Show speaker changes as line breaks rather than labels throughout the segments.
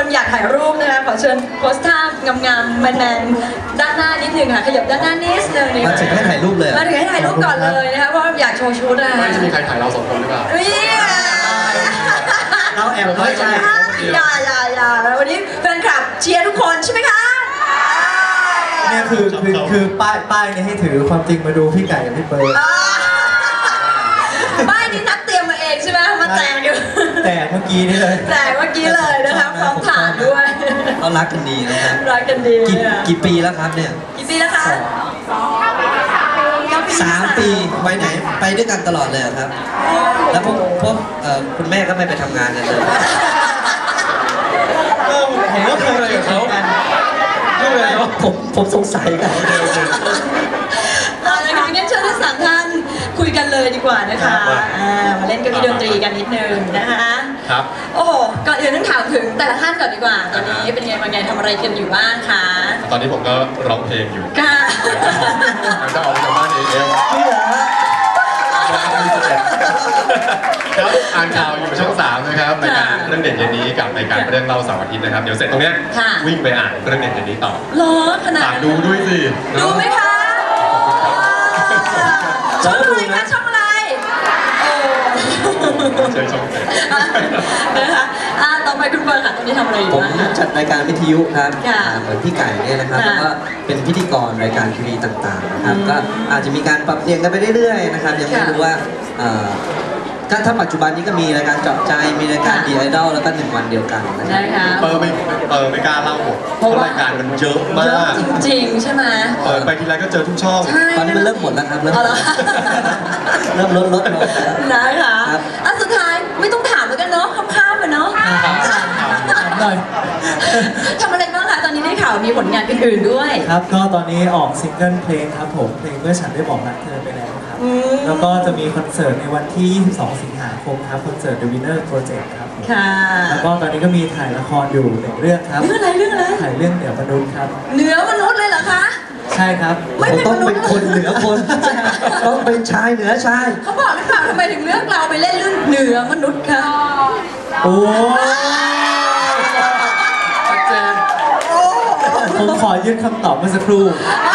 อยากถ่ายรูปนะคะขอเชิญโพสท่างามๆแมนๆด้านหน้านิดนึงค่ะขยับด้านหน้านิดนึง
มาถึงให้ถ่ายรูปเลย
มาถึงให้ถ่ายรูปก่อนเลยนะคะเพราะอยากโชว์ชุดอะ
ไม่จะมีใครถ่ายเรา2 คนหรือเปล่า
เราแอบน้อยใจ
อย่าแล้ววันนี้แฟนคลับเชียร์ทุกคนใช่ไหมคะ
เนี่ยคือป้ายเนี่ยให้ถือความจริงมาดูพี่ไก่กับพี่เปิร์
ป้ายนี้นัดเตรียมมาเองใช่ไหมมาแจกอยู่
แต่เมื่อกี้นี่เลย
แต่เมื่อกี้เลยนะคะพร้อมผ่านด้วย
เรารักกันดีนะครับ
รักกันดี
กี่ปีแล้วครับเนี่ย
กี่ปีแล้วคะ
3 ปีไปไหนไปด้วยกันตลอดเลยครับแล้วพวกคุณแม่ก็ไม่ไปทำงานกันเลยผมก็เคยอะไรกับเขาผมสงสัยกัน
อะไรคะงั้นเชิญทั้ง3 ท่านคุยกันเลยดีกว่านะคะมาเล่นเก้าอี้ดนตรีกันนิดนึงนะคะ
ครับ
โอ้โหก่อนอื่นต้องถามถึงแต่ละท่านก่อนดีกว่าตอนนี้เป็นไงบางไงทำอะไรกันอยู่บ้างคะ
ตอนนี้ผมก็ร้องเพลงอยู่
ค่ะ
จะออกจากบ้านเองครับอ่านข่าวอยู่ช่อง3นะครับรายการเรื่องเด่นเย็นนี้กับรายการเรื่องเล่าเสาร์อาทิตย์นะครับเดี๋ยวเสร็จตรงเนี้ยวิ่งไปอ่านเรื่องเด่นเย็นนี้ต่อ
รอขนาด
ดูด้วยสิ
ดูไหมคะช่องอะไรคะช่องอะไร
ใช่ช่อง
นะคะต่อไปคุณเบิร์ดค่ะตอนนี้ทำอะไรอยู่
ผมจัดรายการวิทยุครับ
เห
มือนพี่ไก่เนี่ยนะครับแล้วก็เป็นพิธีกรรายการทีวีต่างๆนะครับก็อาจจะมีการปรับเปลี่ยนกันไปเรื่อยๆนะครับยังไม่รู้ว่าถ้าปัจจุบันนี้ก็มีรายการเจาะใจมีรายการดีไอดอลแล้วก็1 วันเดียวกัน
นะครับ
ไม่กล้าเล่าหมดเพราะรายการมันเยอะมาก
จริงๆใช่ไหม
ไปทีไรก็เจอทุกช่อง
ตอนนี้มันเริ่มหมดแล้วครับเริ่มลดลง
นะคะสุดท้ายไม่ต้องถามแล้วกันเนาะข้ามๆไปเนาะทำอะไรบ้างคะตอนนี้ได้ข่าวมีผลงานอื่นๆด้วย
ครับก็ตอนนี้ออกซิงเกิลเพลงครับผมเพลงเมื่อฉันได้บอกรักเธอไปแล้วครับแล้วก็จะมีคอนเสิร์ตในวันที่22 สิงหาคมครับคอนเสิร์ต The Winner Project ครับ
ค่ะ
แล้วก็ตอนนี้ก็มีถ่ายละครอยู่1 เรื่องครับ
เรื่องอะไร
ถ่ายเรื่องเหนือมนุษย์ครับ
เหนือมนุษย์เลยเหรอคะ
ใช่ครับต้องเป็นคนเหนือคนต้องเป็นชายเหนือชาย
เขาบอกหรือเปล่าทำไมถึงเลือกเราไปเล่นเรื่องเหนือมนุษย์คะ
โอ้ผมขอยื่นคำตอบเมื่อสักครู่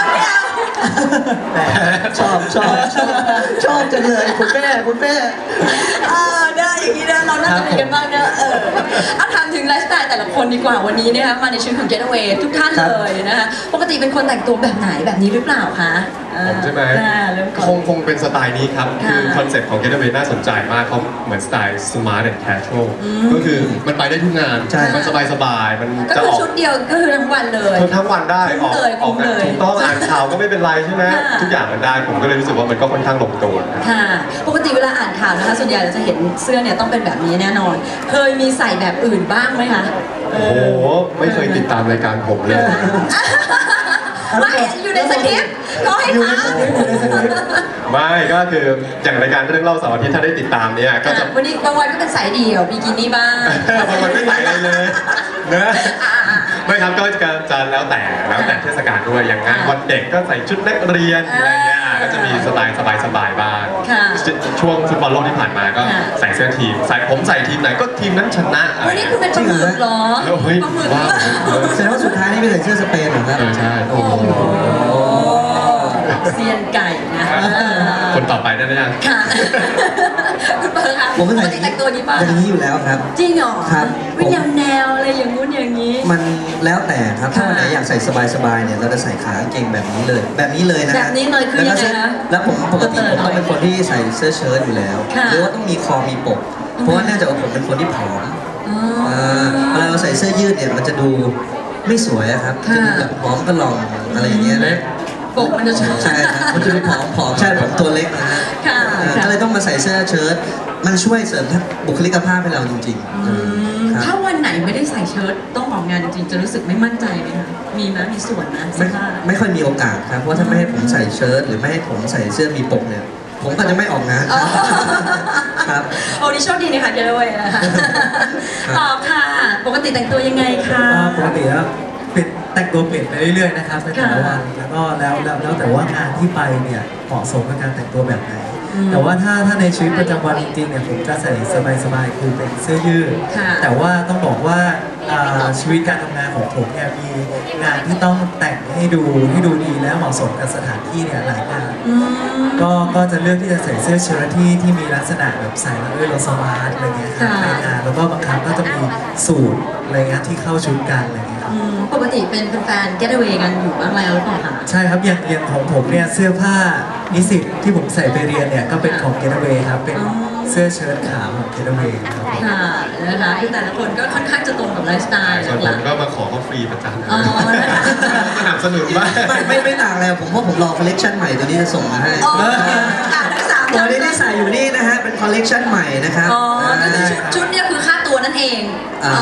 ชอบจังเลยคุณแม่
ได้อย่างนี้นะเราน่าจะมีกันบ้างนะถามถึงไลฟ์สไตล์แต่ละคนดีกว่าวันนี้นะคะมาในชุดของ Getaway ทุกท่านเลยนะคะปกติเป็นคนแต่งตัวแบบไหนแบบนี้หรือเปล่าคะ
ผมใช่ไหมคงเป็นสไตล์นี้ครับคือคอนเซ็ปต์ของ Getaway น่าสนใจมากเขาเหมือนสไตล์ smart and casual ก็คือมันไปได้ทุกงานมันสบายมัน
จะออกชุดเดียวก็คือทั้งวันเลย
ทั้งวันได้ออกถูกต้องอ่านข่าวก็ไม่เป็นไรใช่ไหมทุกอย่างมันได้ผมก็เลยรู้สึกว่ามันก็ค่อนข้างลงตัว
ค่ะปกติเวลาอ่านข่าวนะคะส่วนใหญ่เราจะเห็นเสื้อเนี่ยต้องเป็นแบบนี้แน่นอนเคยมีใส่แบบอื่นบ้างไหมคะ
โอ้โหไม่เคยติดตามรายการผมเลย
ไม่อยู่ในสคริปต์ก็ให้ถาม
ไม่ก็คืออย่างรายการเรื่องเล่าเสาร์อาทิตย์ถ้าได้ติดตามเนี่ยก็จะ
วันนี้บางวันก็เป็นสายเดี่ยวบิกินี่บ้าง
บางวันไม่ใส่อะไรเลยเนอะไม่ครับก็จะแล้วแต่เทศกาลด้วยอย่างงานวันเด็กก็ใส่ชุดนักเรียนอะไรเงี้ยก็จะมีสไตล์สบายๆบ้างช่วงฟุตบอลโลกที่ผ่านมาก็ใส่เสื้อทีมผมใส่ทีมไหนก็ทีมนั้นชนะ
วันนี้คุณเป็นปลาหมึกเหรอ
เฮ้ยว้าว
แสดงว่าสุดท้ายนี่ไปใส่เสื้อสเปนเหรอครับ
ใช่โอ้โห
เซียนไก่นะ
คนต่อไปได้ไหมยัง
ค่ะคุณเปิร์ค่ะ
ผมก็ใส่
แต่งตัวนี้ป่ะ
อย่างนี้อยู่แล้วครับ
จริงเหรอ
ครับ
วิญญาณแนวอะไรอย่างงู้นอย่างนี้
มันแล้วแต่ครับถ้าวันไหนอยากใส่สบายๆเนี่ยเราจะใส่ขากางเกงแบบนี้เลยนะ
แบบนี้เลยคือยังไงนะ
แล้วผมปกติผมต้องเป็นคนที่ใส่เสื้อเชิ้ตอยู่แล้วหรือว่าต้องมีคอมีปกเพราะว่าน่าจะผมเป็นคนที่ผอมเวลาเราใส่เสื้อยืดเนี่ยมันจะดูไม่สวยครับจะดูแบบผอมกระหล่ำอะไรอย่างเงี้ย
ปกมันจะ
ใช่ครับมันจะดูผอมใช่ผมตัวเล็กนะฮะก็เลยต้องมาใส่เสื้อเชิ้ตมันช่วยเสริมบุคลิกภาพให้เราจริง
ๆถ้าวันไหนไม่ได้ใส่เชิ้ตต้องออกงานจริงๆจะรู้สึกไม่มั่นใจไหมคะมีไหมมีส่วนนะ
ไม่ค่อยมีโอกาสครับเพราะถ้าไม่ให้ผมใส่เชิ้ตหรือไม่ให้ผมใส่เสื้อมีปกเนี่ยผมก็จะไม่ออกงานครับ
โอ้นี่โชคดีนะคะเจ้าด้วยนะคะตอบค่ะปกติแต่งตัวยังไงคะ
ปกติแล้วแต่งตัวเปลี่ยนไปเรื่อยๆนะครับในแต่ละวันแล้วก็แล้วแต่ว่างานที่ไปเนี่ยเหมาะสมกับการแต่งตัวแบบไหน
แต่ว่าถ้าในชีวิตประจำวันจริงๆเนี่ยผมจะใส่สบายๆคือเป็นเสื้อยืด
ค่ะ
แต่ว่าต้องบอกว่าชีวิตการทำงานของผมเนี่ยมีงานที่ต้องแต่งให้ดูดีและเหมาะสมกับสถานที่เนี่ยหลายงาน ก็จะเลือกที่จะใส่เสื้อเชิ้ตที่มีลักษณะแบบใส่แล้วด้วยโลสมาร์ทอะไรเงี้ยครับ
ค่ะ
ในงานแล้วก็บางครั้งก็จะมีสูทอะไรเงี้ยที่เข้าชุดกันอะไรเงี้ยครับ
ปกติเป็นแฟน Getaway กันอยู่บ้างแล้วหรือเปล่าคะ
ใช่ครับอย่างของผมเนี่ยเสื้อผ้านิสิตที่ผมใส่ไปเรียนเนี่ยก็เป็นของ Getaway ครับเป็นเสื้อเชิ้ตขาวของ Getaway ครับ
ค่ะนะคะคือแต่ละคนก็ค่อนข้างจะตรงกับไลฟ์สไตล์
ส่วน
ห
ผ
ลั
ม
ก
ก็มาขอเขาฟรีประจำ
อ๋อนะคะ
สนับสนุนบ้าง
ไม่ต่างเลยผมว่าผมรอคอลเลกชันใหม่ตัวนี้จะส่งมาให้
อ๋อทั้งสาม
ตัวนี้ที่ใส่อยู่นี่นะฮะเป็นคอลเลกชันใหม่นะครับ
อ๋อก็คือชุดเนี่ยคือค่าตัวนั่นเอง
อ่า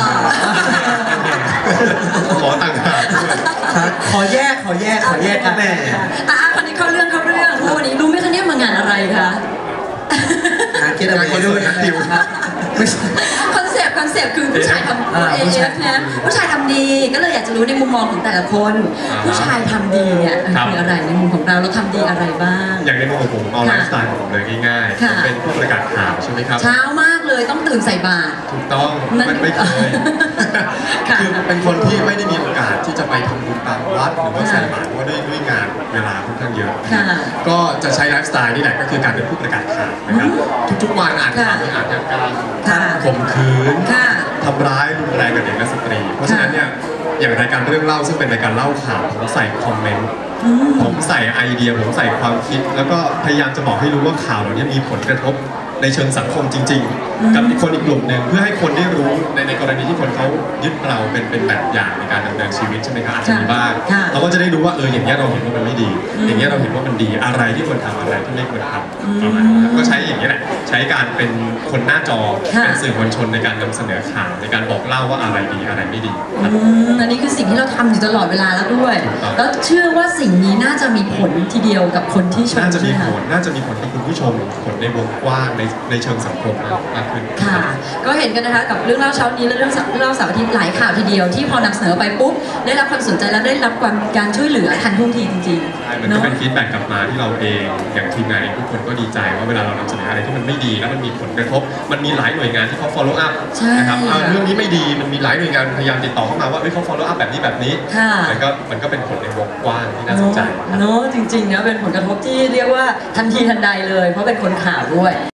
ขอต่างหากด้วย
ครับ
ขอแยกกัน
แม่
คนนี้เข้าเรื่องวันนี้รู้ไหมคะเนี่ยมางานอะไรคะ
งานเกตเอา
งาน
ไว้
คอน
ด้
เสิ
วย
ร์ตนักดิวครับ
คอนเซปต์คือผู้ชายทำ
ผู้ชาย
AF นะผู้ชายทำดีก็เลยอยากจะรู้ในมุมมองของแต่ละคน ผู้ชายทำดีเนี่ยคืออะไรในมุมของเราทำดีอะไรบ้าง
อย่างในมุมของผมเอาไลฟ์สไตล์ของผมเลยง่ายๆ
ค่ะ
ผมเป็นผู้ประกาศข่าวใช่ไหมครับ
เช้ามากเลยต้องตื่นใส่บาตร
ถูกต้อง
นั่น
มันไม่เคย
ค่ะ
คือเป็นคนที่ไม่ได้มีโอกาสที่จะไปทำบุญตามวัดหรือว่าใส่บาตรเพราะว่าด้วยงานเวลาค่อนข้างเยอะ
ค่ะ
ก็จะใช้ไลฟ์สไตล์นี่แหละก็คือการเป็นผู้ประกาศข่าวนะครับ ทุกๆวันอ่านข่าวมีอาชญากรรม
ค่ะ
ข่มขืน
ค่ะ
ทำร้ายรุนแรงกับเด็กและสตรี เพราะฉะนั้นเนี่ยอย่างรายการเรื่องเล่าซึ่งเป็นรายการเล่าข่าวผมใส่คอมเมนต์ผมใส่ไอเดียผมใส่ความคิด แล้วก็พยายามจะบอกให้รู้ว่าข่าวเหล่านี้มีผลกระทบในเชิงสังคมจริง ๆ กับอีกคนอีกกลุ่มหนึ่งเพื่อให้คนได้รู้ในกรณีที่คนเขายึดเราเป็นแบบอย่างในการดำเนินชีวิตใช่ไหมครับอาจจะมีบ้าง
ค่ะ
เราก็จะได้รู้ว่าอย่างเงี้ยเราเห็นว่ามันไม่ดี อย่างเงี้ยเราเห็นว่ามันดีอะไรที่ควรทำอะไรที่ไม่ควรทำประมาณนั้นก็ใช้อย่างนี้ยแหละใช้การเป็นคนหน้าจอ
ค่ะ
เป็นสื่อมวลชนในการนำเสนอข่าวในการบอกเล่าว่าอะไรดีอะไรไม่ดีครับ
อันนี้คือสิ่งที่เราทำอยู่ตลอดเวลาแล้วด้วย
ถูกต้อง
แล้วเชื่อว่าสิ่งนี้น่าจะมีผลทีเดียวกับคนที่ชม
น่าจะมี
ใช่ไห
ผ
ค
ลน่าจะมีผลกับคุณผู้ชมผลในวงกว้างในเชิงสังคมมากขึ้น
ค่ะ ก็เห็นกันนะคะกับเรื่องเล่าเช้านี้และเรื่องเล่าเสาร์อาทิตย์หลายข่าวทีเดียวที่พอนำเสนอไปปุ๊บได้รับความสนใจและได้รับการช่วยเหลือทันท่วงทีจริง
ใช่
ๆ
มันก็
เนาะ
เป็นฟีดแบ็กกลับมาที่เราเองอย่างทีมงานเองทุกคนก็ดีใจว่าเวลาเรานำเสนออะไรที่มันไม่ดีแล้วมันมีผลกระทบ มันมีหลายหน่วยงานที่เขา follow up
ใช่
นะครับเรื่องนี้ไม่ดีมันมีหลายหน่วยงานพยายามติดต่อเข้ามาว่าเขา follow up แบบนี้
ค่ะ
มันก็เป็นผลในวงกว้างที่น่าสนใจครับ
เนาะจริงๆนะเป็นผลกระทบที่เรียกว่าทันทีทันใดเลย เพราะเป็นคนข่าวด้วย